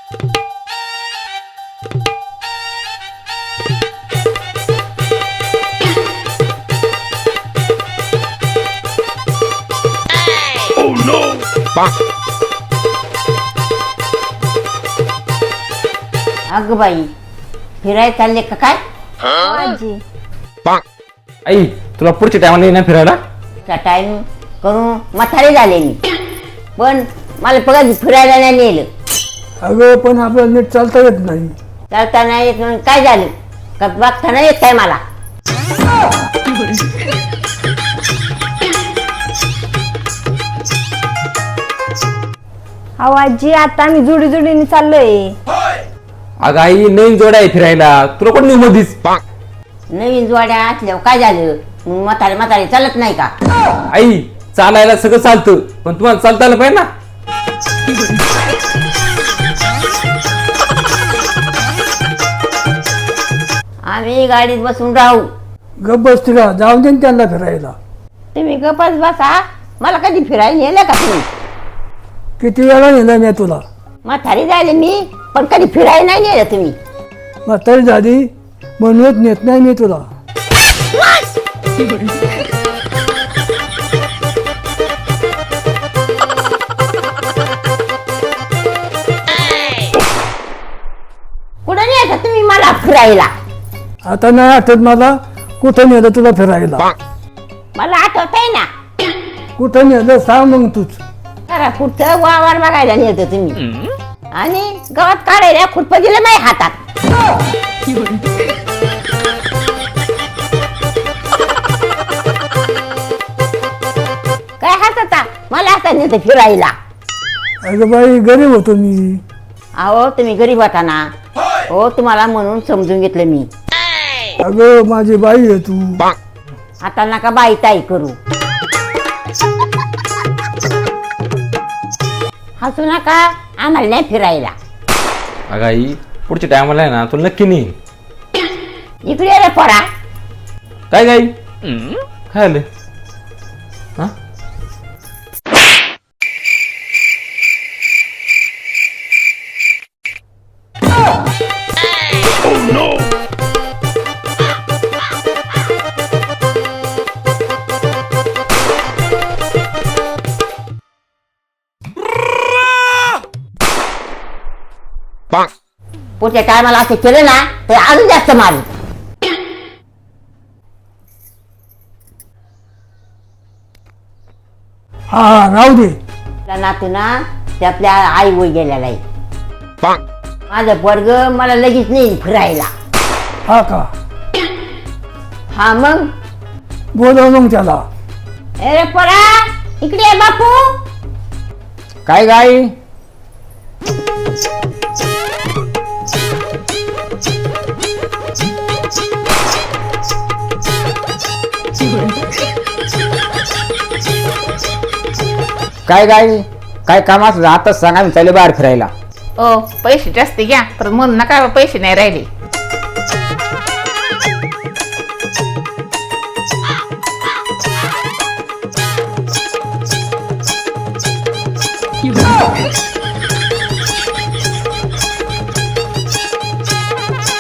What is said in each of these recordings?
अग बाई फिरायला चालले का काय? आजी आई तुला पुढच्या टायमाला येणार फिरायला? त्या टाइम करून म्हातारी झाले मी, पण मला बघा फिरायला नाही नेलं. अगं पण आपल्याला नीट चालता येत नाही. चालता नाही येत म्हणून काय झालं का? बघता नाही येत काय मला? अहो आजी आता आम्ही जोडी जोडीने चाललोय. अगं आई नवीन जोड आहे फिरायला, तुला कोण नेऊ मधीच? नवीन जोड्या असल्यावर काय झालं? मग म्हातारी म्हातारी चालत नाही का? आई चालायला सगळं चालतं, पण तुम्हाला चालता आलं पाहिजे ना. आम्ही गाडीत बसून राहू. गप बसती का? जाऊन दे ना त्यांना फिरायला. तुम्ही गपच बसा. मला कधी फिरायला नेलं का तुम्ही? किती वेळा नेलं मी तुला? म्हातारी झाले मी, पण कधी फिरायला नाही नेलं तुम्ही. म्हातारी झाली म्हणूनच नेत नाही मी तुला. कुठं नेता तुम्ही मला फिरायला? आता नाही आठवत मला कुठं नेलं तुला फिरायला. मला आठवत आहे ना. कुठं नेलं सांग मग तूच. जरा कुठं वावर बघायला नेत तुम्ही, आणि गावात काढायला खुरप दिलं माझ्या हातात. काय हात मला आता नेत फिरायला? अगं बाई गरीब होतो मी. अहो तुम्ही गरीब होता ना. हो तुम्हाला म्हणून समजून घेतलं मी. अगं माझी बाई आहे तू. आता नका बाई ताई करू. हसू नका, आम्हाला नाही फिरायला. अगं आई पुढच्या टायमाला आहे ना तुला नक्की नेईन. इकडे रे पडा. काय गाई काय आलं? हा पुढच्या टायमाला असं केलं ना तर अजून जास्त मारू. हा हा राहू दे. नातू ना ते आपल्या आई वय गेलेला आहे. माझं वर्ग मला लगेच नाही फिरायला. हा का? हा मग बोलव मग त्याला. अरे परा इकडे ये बापू. काय गाई? काय गाई काय काम असलं आताच सांगा, मी चालले बाहेर फिरायला. ओ पैसे जास्त घ्या, तर म्हणून नका पैसे नाही राहिले.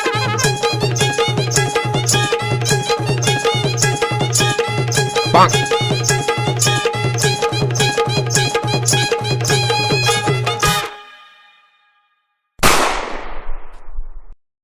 Bonk.